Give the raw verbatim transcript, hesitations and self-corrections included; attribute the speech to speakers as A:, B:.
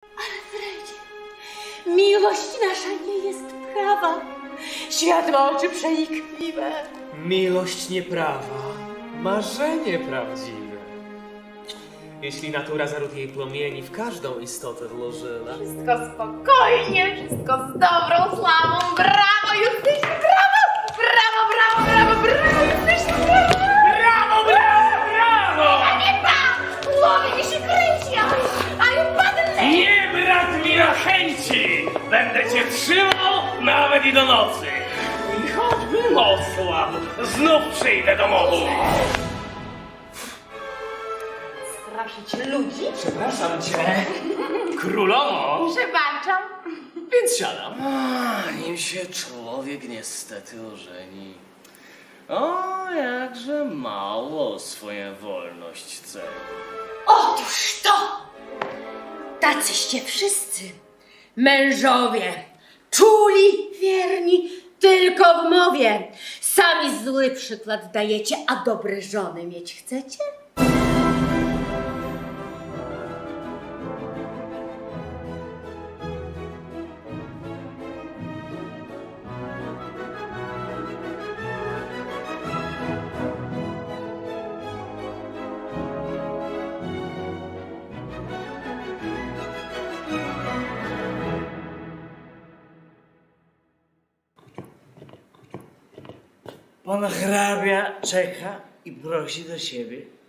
A: Alfredzie, miłość nasza nie jest prawa. Świat ma oczy przenikliwe.
B: Miłość nieprawa, marzenie prawdziwe. Jeśli natura zaród jej płomieni w każdą istotę włożyła,
A: Wszystko spokojnie, wszystko z dobrą sławą. Brawo, Justysiu, brawo! Brawo, brawo, brawo, brawo, Justysiu, brawo!
B: brawo, brawo, brawo!
A: A nie tak! Głowy mi się kręci, ale, ale padnę!
B: Nie brak mi na chęci! Będę cię trzymał nawet i do nocy. I choćby noc słabo, znów przyjdę do mocy.
A: Straszyć ludzi?
B: Przepraszam cię, królowo.
A: Przebaczam.
B: Więc siadam.
C: A, nim się człowiek niestety ożeni. O, jakże mało swoją wolność ceni.
A: Otóż to! Tacyście wszyscy mężowie, czuli, wierni, tylko w mowie. Sami zły przykład dajecie, a dobre żony mieć chcecie?
C: Pan hrabia czeka i prosi do siebie.